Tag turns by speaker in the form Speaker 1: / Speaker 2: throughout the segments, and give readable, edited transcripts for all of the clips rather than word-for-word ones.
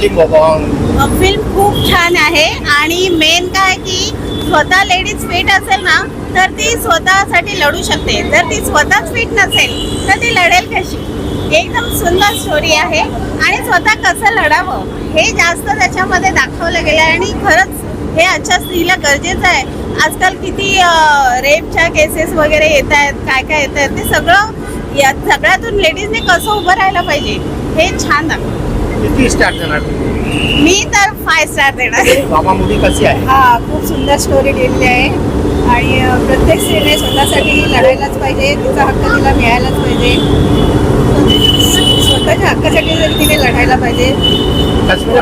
Speaker 1: Film
Speaker 2: film खूप छान आहे आणि मेन काय की स्वतः लेडीज फिट असेल ना तर ती स्वतःसाठी लढू शकते. जर ती स्वतःच फिट नसेल तर ती लढेल कशी. एकदम सुंदर स्टोरी आहे आणि स्वतः कसं लढावं हे जास्त त्याच्यामध्ये दाखवलं गेलं आहे आणि खरंच हे आजच्या स्त्रीला गरजेचं आहे. आजकाल किती रेपच्या केसेस वगैरे येत आहेत, काय काय येत आहेत, ते सगळं या सगळ्यातून लेडीजने कसं उभं राहायला पाहिजे हे छान दाखवलं.
Speaker 1: किती स्टार देणार?
Speaker 2: मी तर 5 स्टार देणार.
Speaker 1: मामा मूवी कशी आहे?
Speaker 3: हा खूप सुंदर स्टोरी लिहिलेली आहे आणि प्रत्येक स्त्रीने स्वतःसाठी लढायलाच पाहिजे. तिचा हक्क तिला मिळायलाच पाहिजे. स्वतःच्या हक्कासाठी जर तिने लढायला पाहिजे.
Speaker 1: काश्मीरा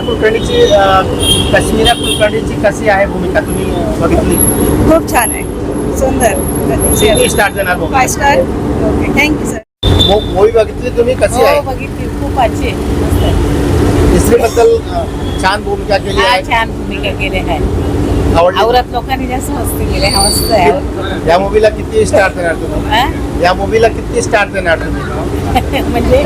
Speaker 1: कुलकर्णीची कशी आहे भूमिका तुम्ही बघितली?
Speaker 3: खूप छान आहे, सुंदर.
Speaker 1: किती स्टार देणार?
Speaker 3: 5 star. Okay, thank you sir.
Speaker 1: Movie बघितली तुम्ही, कशी आहे?
Speaker 3: बघितली, खूप अच्छी आहे.
Speaker 1: तिसरी बद्दल छान भूमिका केली आहे.
Speaker 4: छान भूमिका केली आहे.
Speaker 1: आवडली?
Speaker 4: औरत लोकांनी जास्त मस्ती केली आहे. मस्त आहे.
Speaker 1: या मूवीला किती स्टार देणार तुम्ही? या मूवीला किती स्टार देणार तुम्ही?
Speaker 4: म्हणजे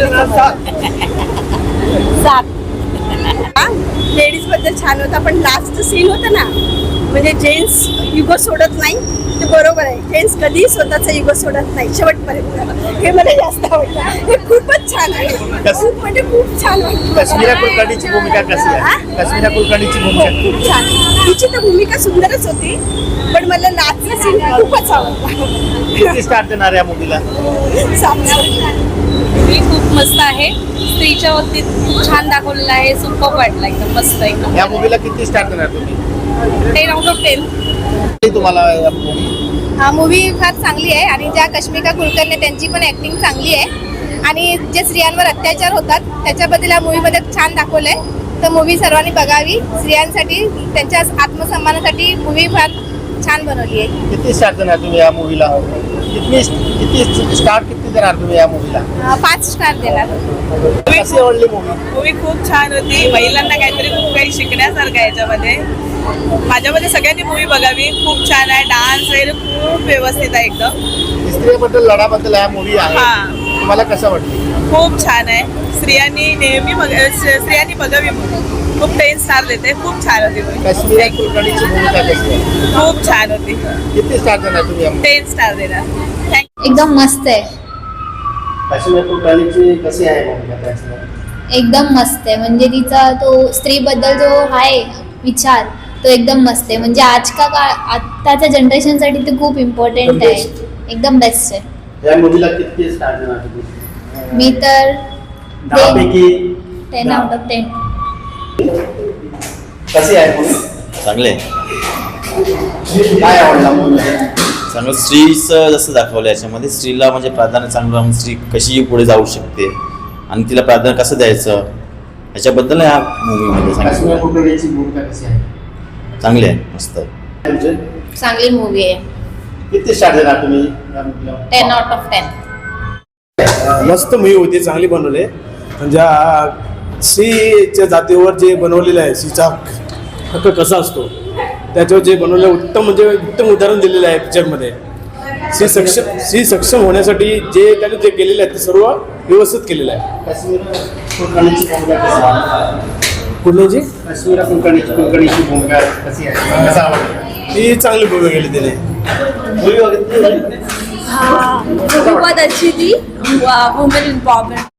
Speaker 4: 7.
Speaker 3: लेडीज बद्दल छान होता, पण लास्ट सीन होतं ना, म्हणजे जेंट्स युगो सोडत नाही ते बरोबर आहे. जेंट्स कधीही स्वतःचा युगो सोडत नाही शेवटपर्यंत. हे मला जास्त आवडलं. हे खूपच छान आहे. खूप म्हणजे खूप छान वाटलं.
Speaker 1: काश्मीरा कुलकर्णीची भूमिका कशी आहे? काश्मीरा कुलकर्णीची भूमिका
Speaker 3: खूप छान. तिची तर भूमिका सुंदरच होती, पण मला लास्टचा सीन खूपच आवडला.
Speaker 1: किती स्टार देणार या मूवीला?
Speaker 3: 7 स्टार.
Speaker 4: मी खूप मस्त आहे. स्त्रीच्या बाबतीत खूप छान दाखवलेलं आहे. सुपर वाटलं, एकदम मस्त एकदम.
Speaker 1: या मूवीला किती स्टार देणार तुम्ही?
Speaker 4: 10 out of 10.
Speaker 1: तुम्हाला या movie?
Speaker 3: हा मूवी फार चांगली आहे आणि ज्या काश्मीरा कुलकर्णी त्यांची पण ॲक्टिंग चांगली आहे आणि जे स्त्रियांवर अत्याचार होतात त्याच्याबद्दल या मूवीमध्ये छान दाखवलं आहे. तर मूवी सर्वांनी बघावी. स्त्रियांसाठी, त्यांच्या आत्मसन्मानासाठी मूवी फार छान बनवली आहे.
Speaker 1: किती स्टार देणार तुम्ही या मूवीला? किती स्टार देणार तुम्ही या मूवीला?
Speaker 3: 5 स्टार देणार.
Speaker 1: कशी आवडली मूवी?
Speaker 5: मूवी खूप छान होती. महिलांना काहीतरी खूप काही शिकण्यासारखं आहे याच्यामध्ये. माझ्यामध्ये सगळ्यांनी मूवी बघावी. खूप छान आहे. डान्स वगैरे खूप व्यवस्थित आहे एकदम.
Speaker 1: स्त्रियाबद्दल लढाबद्दल हा मूवी आहे.
Speaker 5: हा.
Speaker 1: तुम्हाला कसं वाटतं?
Speaker 5: खूप छान आहे. स्त्रियांनी नेहमी स्त्रियांनी बघावी मूवी. खूप 10 स्टार देते. खूप छान होती मूवी.
Speaker 1: काश्मीरा कुलकर्णीची भूमिका कशी आहे?
Speaker 5: खूप छान होती.
Speaker 1: किती स्टार देणार तुम्ही या movie?
Speaker 5: 10 स्टार देणार. थँक्यू.
Speaker 6: एकदम मस्त आहे.
Speaker 1: काश्मीरा कुलकर्णीची कशी आहे भूमिका त्याची?
Speaker 6: एकदम मस्त आहे. म्हणजे तिचा तो स्त्रीबद्दल जो आहे विचार तो एकदम मस्त आहे. म्हणजे आत्ताच्या जनरेशनसाठी ते खूप इम्पॉर्टंट आहे. एकदम बेस्ट आहे.
Speaker 1: या मूवीला किती स्टार देणार तुम्ही?
Speaker 6: मी तर
Speaker 1: 10 पैकी
Speaker 6: 10 out of 10.
Speaker 1: कशी आहे मूवी?
Speaker 7: चांगले
Speaker 1: काय आवडला मूवी?
Speaker 7: चांगलं स्त्रीचं जसं दाखवलं याच्यामध्ये स्त्रीला म्हणजे प्राधान्य चांगलं राहून स्त्री कशी पुढे जाऊ शकते आणि तिला प्राधान्य कसं द्यायचं याच्याबद्दल ह्या मूवीमध्ये
Speaker 1: काश्मीरा
Speaker 7: सांगितलं.
Speaker 1: कुलकर्णीची भूमिका कशी आहे?
Speaker 7: चांगली आहे, मस्त आहे.
Speaker 1: म्हणजे
Speaker 6: चांगली मूवी आहे.
Speaker 1: किती स्टार देणार तुम्ही या मूवीला?
Speaker 6: 10 out of 10.
Speaker 8: मस्त मूवी होती, चांगली बनवली. म्हणजे स्त्रीच्या जातीवर जे बनवलेलं आहे, स्त्रीचा हक्क कसा असतो त्याच्यावर जे बनवलं उत्तम, म्हणजे उत्तम उदाहरण दिलेलं आहे पिक्चरमध्ये. स्त्री सक्षम होण्यासाठी जे त्यांनी जे केलेलं आहे ते सर्व व्यवस्थित केलेलं आहे.
Speaker 1: काश्मीरा कुलकर्णीची भूमिका कशी आहे?
Speaker 8: कुठल्याची
Speaker 1: काश्मीरा कुलकर्णीची भूमिका कशी आहे? कसं आवडलं?
Speaker 8: ती चांगली भूमिका केली त्याने.
Speaker 1: मूवी बघितली?
Speaker 3: बहुत अच्छी थी. Women empowerment